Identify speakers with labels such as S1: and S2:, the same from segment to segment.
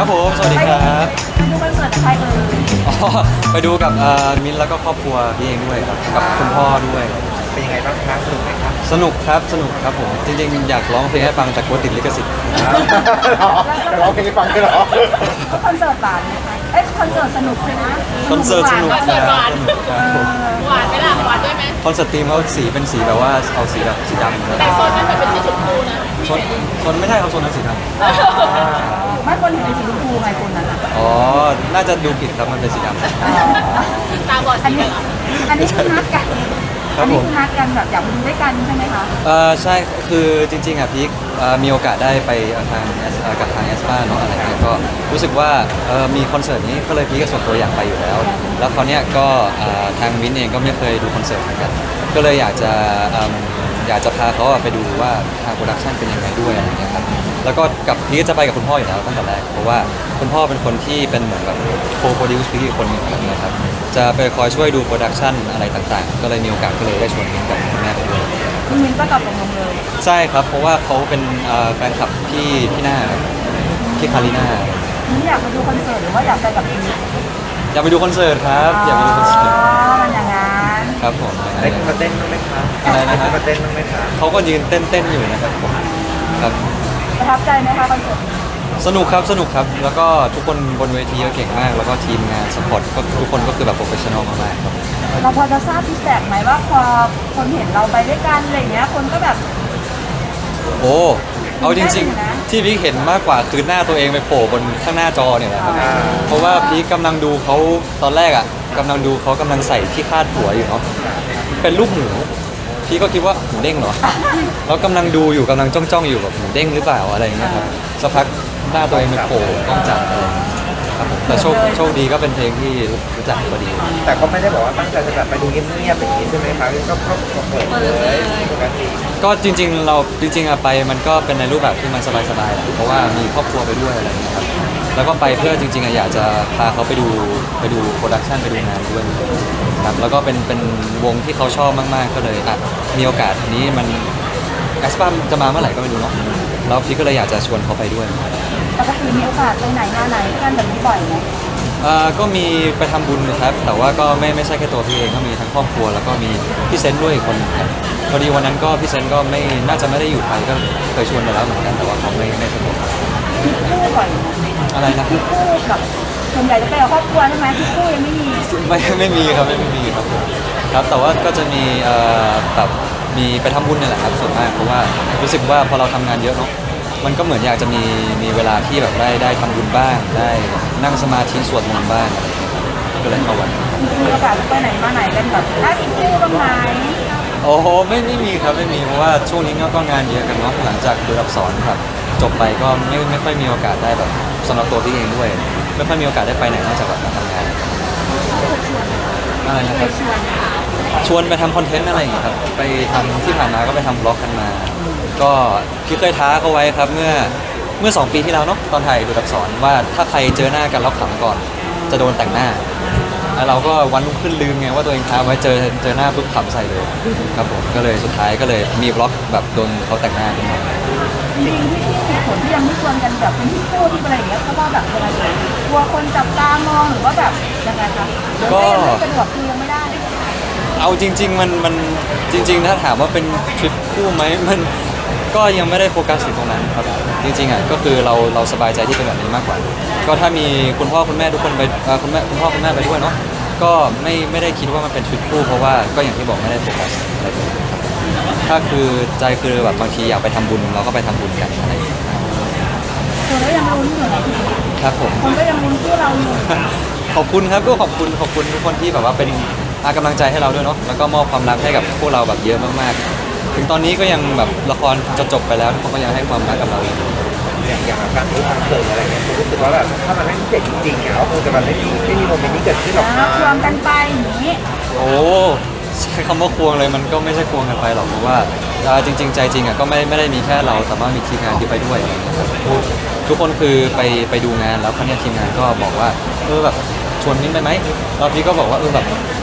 S1: ครับผมสวัสดีครับ
S2: ไปดูคอนเสิร์ตกับใครเอ่ย
S1: อ๋อไปดูกับมิ้นท์แล้วก็ครอบครัวพี่เองด้วยครับกับคุณพ่อด้วย
S3: เป็นยังไงบ้างครับสนุกไหมครับ
S1: สนุกครับสนุกครับผมจริงๆอยากร้องเพลงให้ฟังแต่กลัวติดลิขสิทธิ์
S3: จะร้องเพลงให้ฟังด้วยเหรอ
S2: คอนเสิร์ตหวานไหมคะเอ้ยคอนเสิร์ตสนุกใช่ไหม
S1: คอนเสิร์ตสนุก
S2: หวา
S1: ครับสนุกครับผม
S4: หวานไหมล่ะหวานด้วยไหม
S1: คอนเสิร์ตทีมเขาสีเป็นสีแบบว่าเอาสีแบบสีดำครับ
S4: แต่โซนนั้นมันเป็นสีชมพูนะ
S1: ชนไม่ใช่เขาชนนั้นสีด
S2: ไม่คนเห็นเป็นสีชมพูไงคนนั้นอ่ะ
S1: ำอ๋อน่าจะดูผิดครับมันเป็นสีดำ
S4: ตาบอด
S2: อัน
S4: สี
S2: นี้
S4: เหรอ
S2: อันนี้คือนัดกัน
S1: ครับผม
S2: อันนี้คือนัดกันแบบอยากไปดูด้วยกันใช่ไหมคะ
S1: ใช่คือจริงๆอ่ะพีคมีโอกาสได้ไปทางกับทางแอสปาเนาะอะไรเงี้ยก็รู้สึกว่ามีคอนเสิร์ตนี้ก็เลยพีคก็ส่วนตัวอยากไปอยู่แล้ว แล้วเขาวเนี้ยก็ทางวินเองก็ไม่เคยดูคอนเสิร์ตเหมือนกันก็เลยอยากจะพาเขาไปดูว่าทางโปรดักชันเป็นยังไงด้วยอะไรเงี้ยครับแล้วก็กับพีคจะไปกับคุณพ่ออยู่แล้วตั้งแต่แรกเพราะว่าคุณพ่อเป็นคนที่เป็นเหมือนแบบโคโปรดิวซ์พีคอีกคนหนึ่งนะครับจะไปคอยช่วยดูโปรดักชันอะไรต่างๆ ก็เลยมีโอกาสก็เลยได้ชวนมิ้นกับคุณแม่ไปด้วย
S2: คุณมินก็ตอบตกลงเลย
S1: ใช่ครับ เพราะว่าเขาเป็นแฟนคลับพี่หน้าครับพี่คาริน่า
S2: มินอยากไปดูคอนเสิร์ตหรือว่าอยากไปกับพีค
S1: อยากไปดูคอนเสิร์ตครับอยากไปดูคอนเสิร์ต
S2: มันอย่างนั้น
S1: ครับผม
S3: ได้ขึ้นมาเต้นบ้างไหมครับ
S1: อะไรนะค
S3: ขึ้
S1: รับ
S3: นมาเต้นบ้างไหมครับ
S1: เขาก็ยืนเต้นอยู่นะครับผมครับ
S2: ประทับใจไหมคะคอนเสิร์ต
S1: สนุกครับสนุกครับ แล้วก็ทุกคนบนเวทีก็เก่งมาก แล้วก็ทีมงานสปอร์ตก็ทุกคนก็คือแบบโปรเฟชชั่นอลมากๆครับ
S2: เราพอจะทราบฟีดแบ็กไหมว่าพอคนเห็นเราไปด้วยกันอะไรอย่างเงี้ยคนก็แบบ
S1: โอ้เอาจริงๆ ที่พี่เห็นมากกว่าคือหน้าตัวเองไปโผล่บนข้างหน้าจอเนี่ยแหละครับเพราะว่าพี่กำลังดูเขาตอนแรกอ่ะกำลังดูเขากำลังใส่ที่คาดหัวอยู่เนาะเป็นรูปหมูพี่ก็คิดว่าหมูเด้งเหรอ แล้วกำลังดูอยู่กำลังจ้องอยู่แบบหมูเด้งหรือเปล่าอะไรอย่างเงี้ยครับสักพักหน้าตัวเองไปโผล่กล้องจับอะไรอย่างเงี้ยครับผมแต่โชคดีก็เป็นเพลงที่รู้จักพอดี
S3: แต่ก็ไม่ได้บอกว่าตั้งใจจะแบบไปดูเงียบๆอย่างนี้ใช่ไหมครับก็เปิดเลยปกติ
S1: ก็จริงๆเราจริงๆอะไปมันก็เป็นในรูปแบบที่มันสบายๆแหละเพราะว่ามีครอบครัวไปด้วยอะไรอย่างเงี้ยครับแล้วก็ไปเพื่อจริงๆอะอยากจะพาเขาไปดูโปรดักชันไปดูงานด้วยครับแล้วก็เป็นวงที่เขาชอบมากๆก็เลยอ่ะมีโอกาสนี้มันแอสปามจะมาเมื่อไหร่ก็ไม่รู้เนาะแล้วพี่ก็เลยอยากจะชวนเขาไปด้วย
S2: ปกติมีโอกาสไปไหนมาไหนกันแบบนี้บ่อยไหม
S1: ก็มีไปทำบุญนะครับแต่ว่าก็ไม่ใช่แค่ตัวพี่เองก็มีทั้งครอบครัวแล้วก็มีพี่เซนต์ด้วยอีกคนหนึ่งครับพอดีวันนั้นก็พี่เซนต์ก็ไม่น่าจะไม่ได้อยู่ไทยก็เคยชวนไปแล้วเหมือนกันแต่ว่าเขาไม่สะดวก
S2: ทริปคู่บ่อยไหม
S1: อะไรนะ
S2: ทริปคู่กับส่วนใหญ่จะไปกับครอบครัวใช่ไหมทริปคู่ยังไม่มี
S1: ไม่มีครับไม่มีครับผมครับแต่ว่าก็จะมีแบบมีไปทำบุญนี่แหละครับส่วนมากเพราะว่ารู้สึกว่าพอเราทำงานเยอะเนาะมันก็เหมือนอยากจะมีเวลาที่แบบได้ทำบุญบ้างได้นั่งสมาธิสวดมนต์บ้างอะไรอย่างเงี้ยก็เลยเข้าวัด
S2: มีโอกาสจะไปไหนมาไหนกันแบบได้ทริปคู่บ้างไหม
S1: โอ้โหไม่มีครับไม่มีเพราะว่าช่วงนี้ก็งานเยอะกันเนาะหลังจากดูอักษรครับจบไปก็ไม่ค่อยมีโอกาสได้แบบสำหรับตัวพี่เองด้วย ไม่ค่อยมีโอกาสได้ไปไหนนอกจากแบบมาทำงานอะไรนะครับชวนไปทำคอนเทนต์อะไรอย่างเงี้ยครับไปทำที่ผ่านมาก็ไปทำบล็อกกันมา ก็พี่เคยท้าเขาไว้ครับเมื่อ2 ปีที่แล้วเนาะตอนถ่ายดูอักษรว่าถ้าใครเจอหน้ากันแล้วขำก่อน จะโดนแต่งหน้า แล้วเราก็วันรุ่งขึ้นลืมไงว่าตัวเองท้าไว้เจอหน้าปุ๊บขำใส่เลยครับผมก็เลยสุดท้ายก็เลยมีบล็อกแบบโดนเขาแต่งหน้าขึ้นมา
S2: จริงๆที่เหตุผลที่ยังไม่ชวนกันแบบเป็นทริปคู่ที่อะไรอย่างเงี้ยเพราะว่าแบบยังไงกลัวคนจับตามองหรือว่าแบบยังไงคะหรือว่ายังไม่สะดวกคือยังไม่ได้
S1: เอาจริงๆมันจริงๆถ้าถามว่าเป็นทริปคู่ไหมมันก็ยังไม่ได้โฟกัสถึงตรงนั้นครับจริงๆอ่ะก็คือเราสบายใจที่เป็นแบบนี้มากกว่า ก็ถ้ามีคุณพ่อคุณแม่ทุกคนไปคุณพ่อคุณแม่ไปด้วยเนาะก็ไม่ได้คิดว่ามันเป็นทริปคู่เพราะว่าก็อย่างที่บอกไม่ได้โฟกัสอะไรเลยครับถ้าคือใจคือแบบบางทีอยากไปทำบุญเราก็ไปทำบุญกันอะไรอย่างเงี้ย
S2: คนก็ยังลุ้นอยู่นะพี่
S1: ครับผม
S2: คนก็ยังลุ้นคู่เราอยู่
S1: ขอบคุณครับก็ขอบคุณทุกคนที่แบบว่าเป็นกำลังใจให้เราด้วยเนาะแล้วก็มอบความรักให้กับพวกเราแบบเยอะมากๆ ถึงตอนนี้ก็ยังแบบละครจะจบไปแล้วทุกคนก็ยังให้ความรักกับเราอยู่
S3: อย่างแบบการดูคอนเสิร์ตอะไรเงี้ยผมรู้สึกว่าแบบถ้ามันไม่พิเศษจริงๆเนี่ยก็คงจะแบบไม่มีโมเมนต์นี้เกิดขึ้นหรอกนะ
S2: ควงกันไปอย่างนี้
S1: โอ้ใช้คำว่าควงเลยมันก็ไม่ใช่ควงกันไปหรอกเพราะว่าจริงๆใจจริงอ่ะก็ไม่ได้มีแค่เราแต่ว่ามีทีมงานที่ไปด้วยนะครับทุกคนคือไปดูงานแล้วครั้นี้ทีมงานก็บอกว่าแบบชวนมิ้นไปไหมแล้วพี่ก็บอกว่าแบบ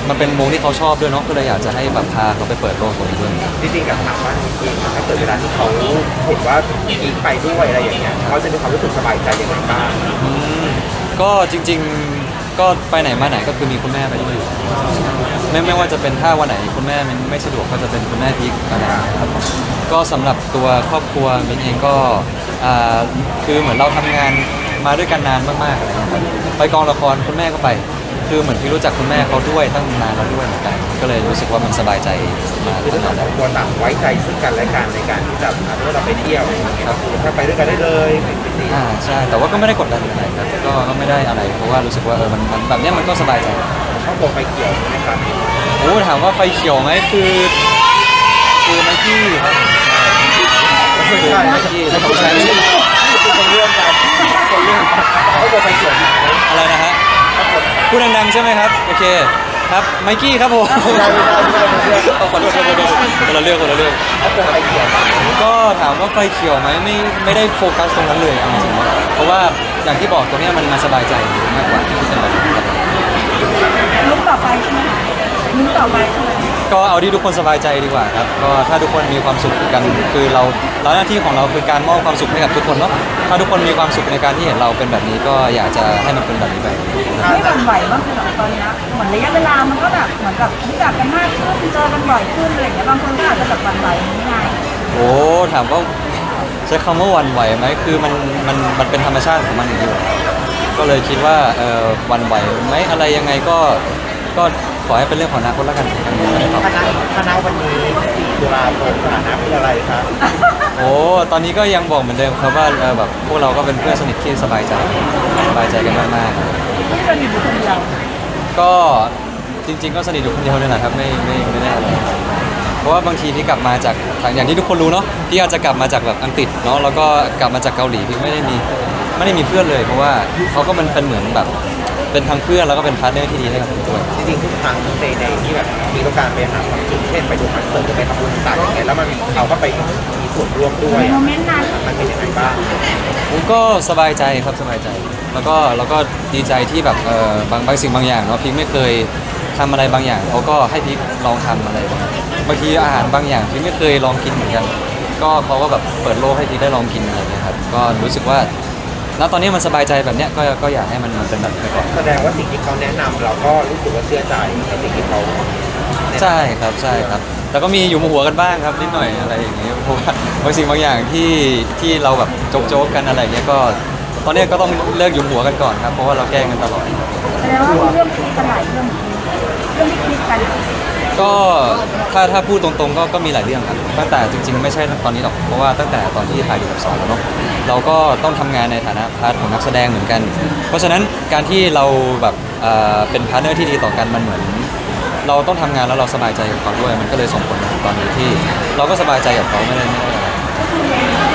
S1: มันเป็นวงที่เขาชอบด้วยเนาะก็เลยอยากจะให้แบบพาเขาไปเปิดโลกตรงนี้ด้วย
S3: จริงๆกับถามว่าจริงๆถ้าเกิดเวลาที่เขาเห็นว่าอีกไปด้วยอะไรอย่างเงี้ยเขาจะมีความรู้สึกสบายใจยังไงบ้าง
S1: อืมก็จริงๆก็ไปไหนมาไหนก็คือมีคุณแม่ไปด้วยอยู่ไม่ว่าจะเป็นถ้าวันไหนคุณแม่มันไม่สะดวกก็จะเป็นคุณแม่พีคอะไรอย่างเงี้ยครับก็สำหรับตัวครอบครัวมินเองก็คือเหมือนเราทำงานมาด้วยกันนานมากๆอะไรอย่างเงี้ยครับไปกองละครคุณแม่ก็ไปคือเหมือนพี่รู้จักคุณแม่เขาด้วยตั้งนานแล้วด้วยเหมือนกันก็เลยรู้สึกว่ามันสบายใจมา
S3: คือ
S1: ตั้
S3: ทั้
S1: ง
S3: ง
S1: แต่
S3: ส
S1: แร
S3: อก งคนต่างไว้ใจซึ่งกันและกันในการที่จะเมื่อเราไปเที่ยวครับถ้าไปด้วยกันได้เลยเป็นจริง
S1: ใช่แต่ว่าก็ไม่ได้กดดันอะไรครับก็ไม่ได้อะไรเพราะว่ารู้สึกว่ามันแบบเนี้ยมันก็สบายใจ
S3: ๆครอบครัวไฟเขียวนะครับ
S1: โอ้ถามว่าไฟเขียวไหมคือไมค์กี้ครับ
S3: ไม่ใช่
S1: ไมค์กี้ของฉัน
S3: คนเรื่องกันคนเรื่องครอบครัวไฟเขียวนะ
S1: อะไรนะฮะพูดดังๆใช่ไหมครับโอเคครับไมค์กี้ครับผมขอโทษคนละเรื่อง
S3: ครอบครัวไฟเขียว
S1: ก็ถามว่าไฟเขียวไหมไม่ได้โฟกัสตรงนั้นเลยเอาจริงๆเพราะว่าอย่างที่บอกตรงเนี้ยมันสบายใจมากกว่าที่เป็นแบบนี้ครับ
S2: ลุ้นต่อไปใช่ไหมคะลุ้นต่อไปใช่ไหม
S1: ก็เอาที่ทุกคนสบายใจดีกว่าครับก็ถ้าทุกคนมีความสุขกันคือเราหน้าที่ของเราคือการมอบความสุขให้กับทุกคนเนาะถ้าทุกคนมีความสุขในการที่เห็นเราเป็นแบบนี้ก็อยากจะให้มันเป็นแบบนี้ไป
S2: ไม่หวั่นไหวบ้างคือแบบตอนนี้เหมือนระยะเวลามันก็แบบเหมือนกับรู้จักกันมากขึ้นเจอกันบ่อยขึ้นอะไรอย่างเงี้ยบางคนก็อาจจะแบบหวั่นไหวไม่ไง
S1: โอ้ถามว่าใช้คำว่าหวั่นไหวไหมคือมันเป็นธรรมชาติของมันอย่างนี้อยู่ก็เลยคิดว่าหวั่นไหวไหมอะไรยังไงก็ขอให้เป็นเรื่องของอนาคตแล้วกันอันนี้ไม่ได้ตอบ
S3: คณะวันนี้4 ตุลาคมสถานะคืออะไรครับ
S1: โอ้ตอนนี้ก็ยังบอกเหมือนเดิมครับว่าแบบพวกเราก็เป็นเพื่อนสนิทที่สบายใจกันมากๆ
S2: ที่สนิทอยู่คนเดียว
S1: ก็จริงๆก็สนิทอยู่คนเดียวเลยนะครับไม่ได้อะไรเพราะว่าบางทีพี่กลับมาจากอย่างที่ทุกคนรู้เนาะพี่อาจจะกลับมาจากแบบอังกฤษเนาะแล้วก็กลับมาจากเกาหลีพี่ไม่ได้มีเพื่อนเลย เพราะว่าเขาก็มันเป็นเหมือนแบบเป็นทั้งเพื่อนแล้วก็เป็นพาร์ทเนอร์ที่ดีให้กับผมด้วย
S3: จริงๆทุกครั้งในที่แบบมีต้องการไปหาความสุขเช่นไปดูคอนเสิร์ตหรือไปทำบุญต่างๆอย่างเงี้ยแล้วมันเขาก็ไปมีส่วนร่วมด้วย
S2: ในโมเมนต์นั้น
S3: มันเป็นยังไงบ้าง
S1: ผมก็สบายใจครับสบายใจ แล้วก็ดีใจที่แบบบางสิ่งบางอย่างเนาะพี่ไม่เคยทำอะไรบางอย่างเขาก็ให้พี่ลองทำอะไรบางทีอาหารบางอย่างพี่ไม่เคยลองกินเหมือนกัน ก็เขาก็แบบเปิดโลกให้พี่ได้ลองกินอะไรอย่างเงี้ยครับก็รู้สึกว่าณตอนนี้มันสบายใจแบบเนี้ยก็อยากให้มันเป็นแบบนี้ไปก่อน
S3: แสดงว่าสิ่งที่เขาแนะนำเราก็รู้สึกว่าเชื่อใจในสิ่งที่เขา
S1: ใช่ครับแล้วก็มีอยู่หัวกันบ้างครับนิดหน่อยอะไรอย่างเงี้ยเพราะว่าบางสิ่งบางอย่างที่เราแบบโจ๊กๆกันอะไรอย่างเงี้ยก็ตอนเนี้ยก็ต้องเลิกอยู่หัวกันก่อนครับเพราะว่าเราแกล้งกันตลอด
S2: แสดงว่ามีเรื่องคิดกันหลายเรื่องที่คิดกัน
S1: ก็ถ้าพูดตรงๆก็มีหลายเรื่องครับตั้งแต่จริงๆไม่ใช่ตอนนี้หรอกเพราะว่าตั้งแต่ตอนที่ถ่ายอยู่กับสอนแล้วเนาะเราก็ต้องทำงานในฐานะพาร์ทของนักแสดงเหมือนกัน เพราะฉะนั้นการที่เราแบบเป็นพาร์ทเนอร์ที่ดีต่อกันมันเหมือน เราต้องทำงานแล้วเราสบายใจกับเขาด้วยมันก็เลยส่งผลมาถึงตอนนี้ที่ เราก็สบายใจกับเขาไม่ได้อะไร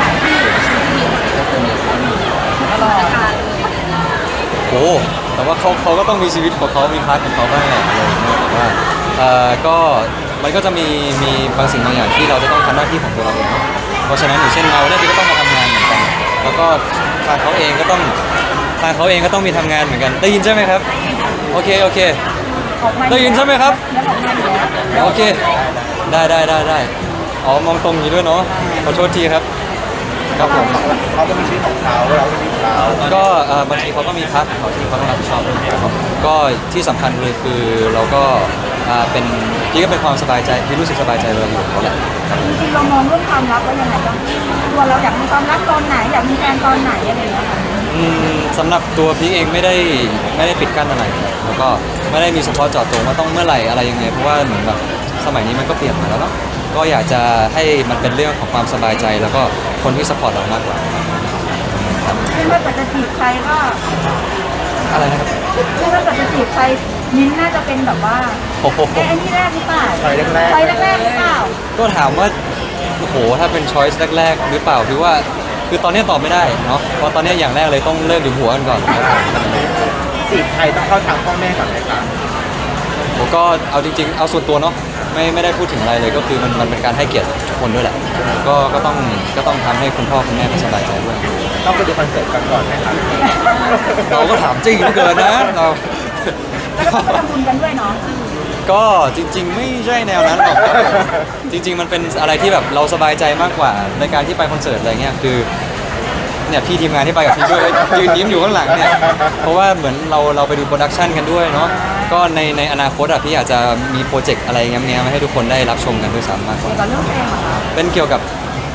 S1: โอ้แต่ว่าเขาก็ต้องมีชีวิตของเขามีพาร์ทของเขาบ้างแหละอะไรอย่างเงี้ยแต่ว่าก็มันก็จะมีบางสิ่งบางอย่างที่เราจะต้องทำหน้าที่ของตัวเราเองเพราะฉะนั้นอย่างเช่นเราเนี่ยก็ต้องมาทำงานเหมือนกัน แล้วก็ทางเขาเองก็ต้องมีทำงานเหมือนกันได้ยินใช่ไหมครับโอเค
S2: ออกมา
S1: ได้ยินใช่ไหมครับ
S2: แล้วออกมาอยู่แล้ว
S1: โอเคได้อ๋อมองตรงนี้ด้วยเนาะขอโทษทีครับครับผม
S3: เขาก็มีชีวิตของเขาเราก็มีชีวิตของเรา
S1: ก็บางทีเขาก็มีพาร์ทของเขาที่เขาต้องรับผิดชอบด้วยครับก็ที่สำคัญเลยคือเราก็เป็นพี่ก็เป็นความสบายใจพี่รู้สึกสบายใจเราอยู่กับเขาแหละ
S2: จริงๆเรามองเรื่องความรักว่ายังไงบ้างตัวเราอยากมีความรักตอนไหนอยากมีแฟนตอนไหนอะไรอย่างเงี้ยค่ะ
S1: สำหรับตัวพี่เองไม่ได้ปิดกั้นอะไรครับแล้วก็ไม่ได้มีเฉพาะเจาะจงว่าต้องเมื่อไหร่อะไรยังไงเพราะว่าเหมือนแบบสมัยนี้มันก็เปลี่ยนมาแล้วเนาะก็อยากจะให้มันเป็นเรื่องของความสบายใจแล้วก็คนที่สปอร์ตเรามากกว่าครับ
S2: ไม่ว่าจะจีบใครก็
S1: อะไรนะครับ
S2: ไม่ว่าจะจีบใครมิ้นท์น่าจะเป็นแบบว่า
S1: โอ้โห
S2: ไอ้นี่แรกหรือเปล่า
S3: ไปแรกๆ
S2: ไปแรกๆหรือเปล่า
S1: ก็ถามว่าโอ้โหถ้าเป็นช้อยส์แรกๆหรือเปล่าพี่ว่าคือตอนนี้ตอบไม่ได้เนาะเพราะตอนนี้อย่างแรกเลยต้องเลิกอยู่หัวกันก่อน
S3: จีบใครต้องเข้าทางพ่อแม่ก่อนไหมครับ
S1: ผมก็เอาจริงๆเอาส่วนตัวเนาะไม่ได้พูดถึงอะไรเลยก็คือมันเป็นการให้เกียรติทุกคนด้วยแหละก็ต้องทำให้คุณพ่อคุณแม่เขาสบายใจด้วย
S3: ต้องไปดูคอนเสิร์ตกันก่อนไหมครับ
S1: เราก็ถามจริงเหลือเกินนะเรา
S2: แล้วก็ต้องไปทำบุญกันด้วยเนาะ
S1: ก็จริง ๆ ไม่ใช่แนวนั้นหรอกครับจริง ๆ มันเป็นอะไรที่แบบเราสบายใจมากกว่าในการที่ไปคอนเสิร์ตอะไรเงี้ยคือเนี่ยพี่ทีมงานที่ไปกับพี่ด้วยยืนยิ้มอยู่ข้างหลังเนี่ยเพราะว่าเหมือนเราไปดูโปรดักชันกันด้วยเนาะก็ในอนาคตอ่ะพี่อาจจะมีโปรเจกต์อะไรเงี้ยมาให้ทุกคนได้รับชมกันด้วยซ้ำมากกว่า
S2: เกี่ยวกับเรื่องเพลงเหรอคะ
S1: เป็นเกี่ยวกับ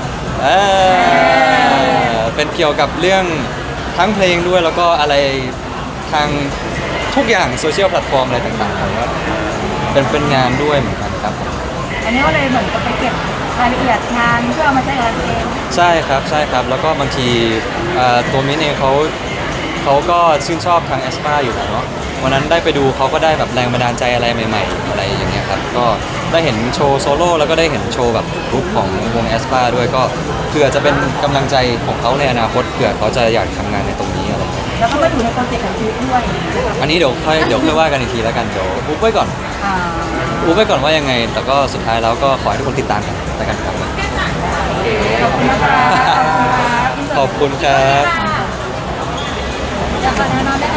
S1: เป็นเกี่ยวกับเรื่องทั้งเพลงด้วยแล้วก็อะไรทางทุกอย่างโซเชียลแพลตฟอร์มอะไรต่างๆครับเป็นงานด้วยเหมือนกันครับผม
S2: อันนี้ก็เลยเหมือนกับไปเก็บรายละเอียดงานเพื่อเอามาใช้กับตัวเอง
S1: ใช่ครับใช่ครับแล้วก็บางทีตัวมิ้นเองเขาก็ชื่นชอบทางแอสปาอยู่แล้วเนาะวันนั้นได้ไปดูเขาก็ได้แบบแรงบันดาลใจอะไรใหม่ๆอะไรอย่างเงี้ยครับก็ได้เห็นโชว์โซโล่แล้วก็ได้เห็นโชว์แบบกรุ๊ปของวงแอสปาด้วยก็เผื่อจะเป็นกำลังใจของเขาในอนาคตเผื่อเขาจะอยากทำงานในตรงนี้อะไรเงี้ย
S2: แล้วก็มาอยู่ในโปรเจกต์ของชีวิตด้วย
S1: อันนี้เดี๋ยวค่อยว่ากันอีกทีแล้วกันเดี๋ยวอุ๊บไว้ก่อน
S2: อ่า
S1: อุ๊บไว้ก่อนว่ายังไง แต่ก็สุดท้ายแล้วก็ขอให้ทุกคนติดตามกันแล้วกันครับ
S2: ขอบคุณนะคะ
S1: ขอบคุณครับ
S2: อยากขอแนะนำได้